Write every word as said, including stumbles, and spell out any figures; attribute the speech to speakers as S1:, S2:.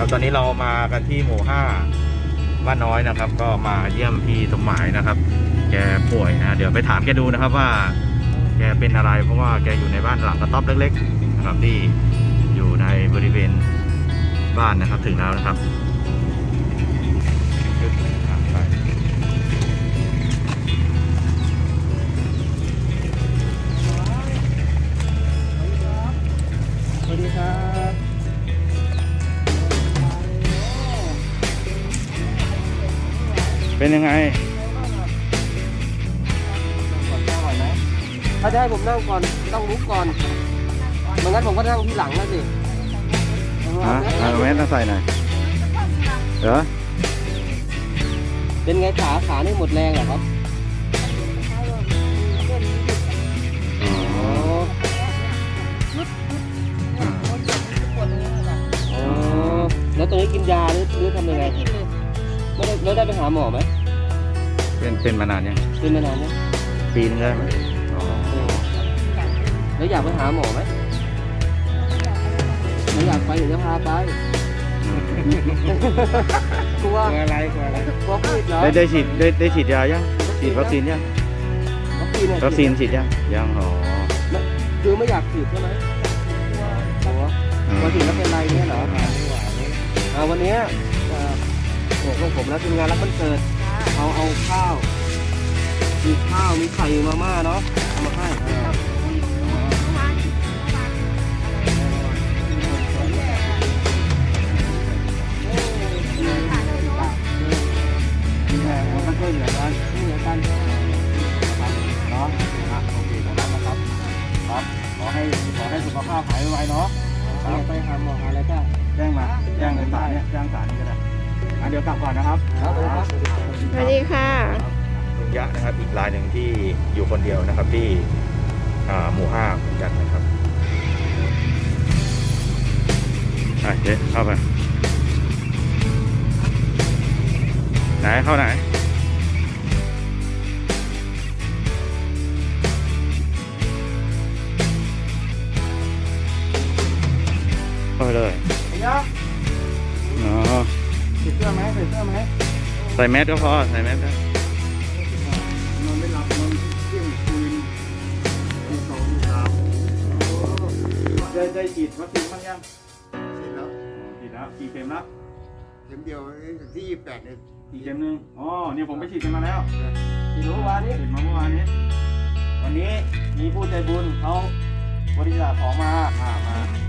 S1: ครับตอนนี้เรามากันที่หมู่ห้าบ้านน้อยนะครับก็มาเยี่ยมพี่สมหมายนะครับแกป่วยนะเดี๋ยวไปถามแกดูนะครับว่าแกเป็นอะไรเพราะว่าแกอยู่ในบ้านหลังกระต๊อบเล็กๆนะครับที่อยู่ในบริเวณบ้านนะครับถึงแล้วนะครับ
S2: สวัสดีครับ
S1: เป็นยังไง
S2: ถ้าจะให้ผมนั่งก่อนต้องลุกก่อนไม่งั้นผมก็นั่งที่หลังแล้วสิ
S1: ฮะเอาแมสมาใส่หน่อยเหรอ
S2: เป็นไงขาขานี่หมดแรงเหรอครับอ๋อแล้วตรงนี้กินยาหรือหรือทำยังไงไม่ได้แล้วได้ไปหาหมอไหม
S1: เป็นเป็นมานานยัง
S2: เป็นมานานยัง
S1: ปีนึงได้ไหม
S2: แล้วอยากไปหาหมอไหมไม่อยากไปเดี๋ยวจะพาไปกลัวอะไรกลัวอะไรกลัวโควิดเหรอ
S1: ได้ได้ฉีดได้ได้ฉีดยายังฉีดวัคซีนยัง
S2: วัคซีน
S1: วัคซีนฉีดยังยังอ๋อ
S2: คือไม่อยากฉีดใช่ไหมกลัวพอฉีดแล้วเป็นไรเนี่ยเหรอวันนี้โอ้โหผมแล้วทีมงานรับวันเกิดเอาเอาข้าวมีข้าวมีไข่มาม่าเนาะเอามาให้มันก็ช่วยเหลือกันช่วยเหลือกันเนาะโอเคนะครับครับขอให้ขอให้สุขภาพหายไวๆเนาะไปหาหมออะไรก็แจ้งมาแจ้งสารเนี่ยแจ้งสารนี่ก็ได้เดี๋ยวกลับก่อนนะครับ
S3: สวัสดีค่ะ
S1: ลุงยะนะครับอีกรายหนึ่งที่อยู่คนเดียวนะครับที่หมู่ห้าเหมือนกันนะครับไปเจ๊เข้าไปไหนเข้าไหนเข้าไปเลยอ๋อ
S2: ใส่เสื้อไหมใส่เสื้อไหม
S1: ใส่แมสก็พอใส่แมสนะ
S2: นอนไม่หลับนอนเที่ยงคืนตีสองตีสามได้ได้ฉีดวัคซีนบ้างยัง
S4: ฉีดแล้ว
S1: ฉีดแล้วกี่เข็มแล้ว
S4: เข็มเดียวที่ยี่สิบแปดเนี่ย
S1: อีกเข็มหนึ่งอ๋อเนี่ยผมไปฉีดกันมาแล้ว
S2: ฉีดเมื่อวานนี้
S1: ฉีดมาเมื่อวานนี้วันนี้มีผู้ใจบุญเขาบริจาคของมามามา